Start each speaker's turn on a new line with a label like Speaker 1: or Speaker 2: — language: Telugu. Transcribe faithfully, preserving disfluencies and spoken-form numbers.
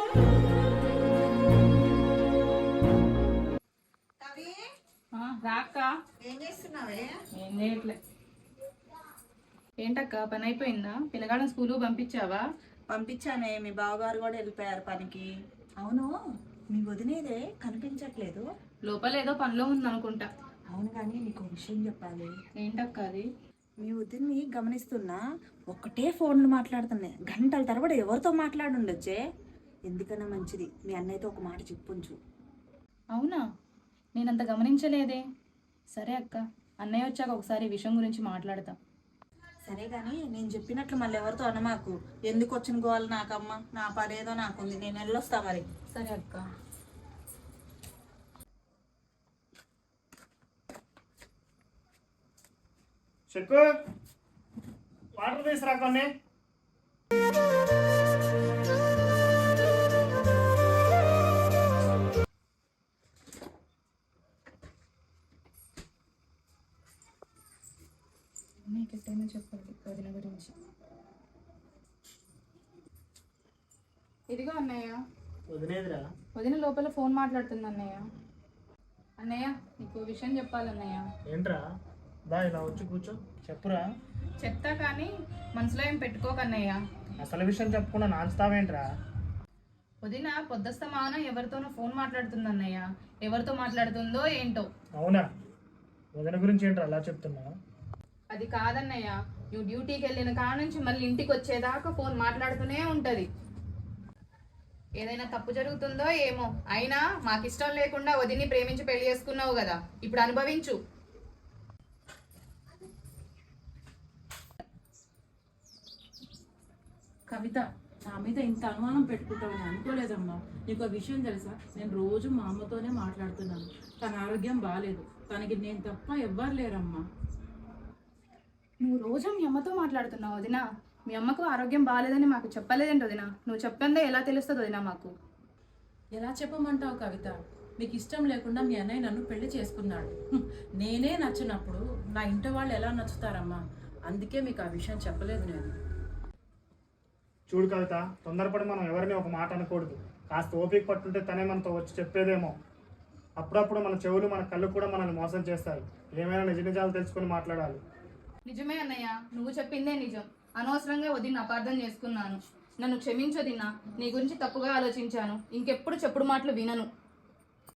Speaker 1: రాక్క
Speaker 2: ఏం చేస్తున్నావే?
Speaker 1: ఏం చేయట్లే. ఏంటక్క పని అయిపోయిందా? పిల్లగాళ్ళని స్కూలు పంపించావా?
Speaker 2: పంపించానే, మీ బావగారు కూడా వెళ్ళిపోయారు పనికి. అవును, మీ వదినేదే కనిపించట్లేదు.
Speaker 1: లోపల ఏదో పనిలో ఉందనుకుంటా.
Speaker 2: అవును కానీ నీకు విషయం చెప్పాలి.
Speaker 1: ఏంటక్క అది?
Speaker 2: మీ వదిన్ని గమనిస్తున్నా, ఒక్కటే ఫోన్లు మాట్లాడుతున్నాయి. గంటల తరబడి ఎవరితో మాట్లాడుండొచ్చే. ఎందుకన్నా మంచిది మీ అన్నయ్యతో ఒక మాట చెప్పుంచు.
Speaker 1: అవునా, నేనంత గమనించలేదే. సరే అక్క, అన్నయ్య వచ్చాక ఒకసారి ఈ విషయం గురించి మాట్లాడతా.
Speaker 2: సరే కానీ నేను చెప్పినట్లు మళ్ళీ ఎవరితో అనమాకు. ఎందుకు వచ్చిన గోవాలి నాకమ్మ, నా పనేదో నాకుంది, నేను వెళ్ళొస్తా మరి.
Speaker 1: సరే అక్క.
Speaker 3: చెక్కు వాటర్ తీసురా కొన్ని.
Speaker 1: నీకెట్టైనా చెప్పండి వదిన గురించి. ఇదిగో అన్నయ్య.
Speaker 3: వదిలేదురా.
Speaker 1: వదిన లోపల ఫోన్ మాట్లాడుతుంది అన్నయ్య. అన్నయ్య నీకు విషయం చెప్పాలన్నయ్య.
Speaker 3: ఏంట్రా? దా ఇలా వచ్చి కూర్చో, చెప్పురా.
Speaker 1: చెప్తా కానీ మనసులో ఏం పెట్టుకోకన్నయ్య.
Speaker 3: అసలు విషయం చెప్పకుండా నాంచుతావేంట్రా?
Speaker 1: వదిన పొద్దస్తమాన ఎవరితోనో ఫోన్ మాట్లాడుతుంది అన్నయ్య. ఎవరితో మాట్లాడుతుందో ఏంటో.
Speaker 3: అవునా? వదిన గురించి ఏంట్రా అలా చెప్తున్నా?
Speaker 1: అది కాదన్నయ్య, నువ్వు డ్యూటీకి వెళ్ళిన కాడ నుంచి మళ్ళీ ఇంటికి వచ్చేదాకా ఫోన్ మాట్లాడుతూనే ఉంటది. ఏదైనా తప్పు జరుగుతుందో ఏమో. అయినా మాకిష్టం లేకుండా వదిన్ని ప్రేమించి పెళ్లి చేసుకున్నావు కదా, ఇప్పుడు అనుభవించు.
Speaker 4: కవిత, నా మీద ఇంత అనుమానం పెట్టుకుంటావని అనుకోలేదమ్మా. నీకు ఆ విషయం తెలుసా? నేను రోజు మా అమ్మతోనే మాట్లాడుతున్నాను. తన ఆరోగ్యం బాగాలేదు. తనకి నేను తప్ప ఎవ్వరు లేరమ్మా.
Speaker 1: నువ్వు రోజు మీ అమ్మతో మాట్లాడుతున్నావు వదిన. మీ అమ్మకు ఆరోగ్యం బాగాలేదని మాకు చెప్పలేదేంటి వదిన? నువ్వు చెప్పందే ఎలా తెలుస్తుంది వదిన మాకు?
Speaker 4: ఎలా చెప్పమంటావు కవిత? మీకు ఇష్టం లేకుండా మీ అన్నయ్య నన్ను పెళ్లి చేసుకున్నాడు. నేనే నచ్చినప్పుడు నా ఇంటి వాళ్ళు ఎలా నచ్చుతారమ్మా? అందుకే మీకు ఆ విషయం చెప్పలేదు నేను.
Speaker 3: చూడు కవిత, తొందరపడి మనం ఎవరిని ఒక మాట అనకూడదు. కాస్త ఓపిక పట్టుంటే తనే మనతో వచ్చి చెప్పేదేమో. అప్పుడప్పుడు మన చెవులు మన కళ్ళు కూడా మనల్ని మోసం చేస్తాయి. ఏమైనా నిజ నిజాలు తెలుసుకొని మాట్లాడాలి.
Speaker 1: నిజమే అన్నయ్య, నువ్వు చెప్పిందే నిజం. అనవసరంగా వదిన అపార్థం చేసుకున్నాను. నన్ను క్షమించొదినా. నీ గురించి తప్పుగా ఆలోచించాను. ఇంకెప్పుడు చెప్పుడు మాటలు వినను.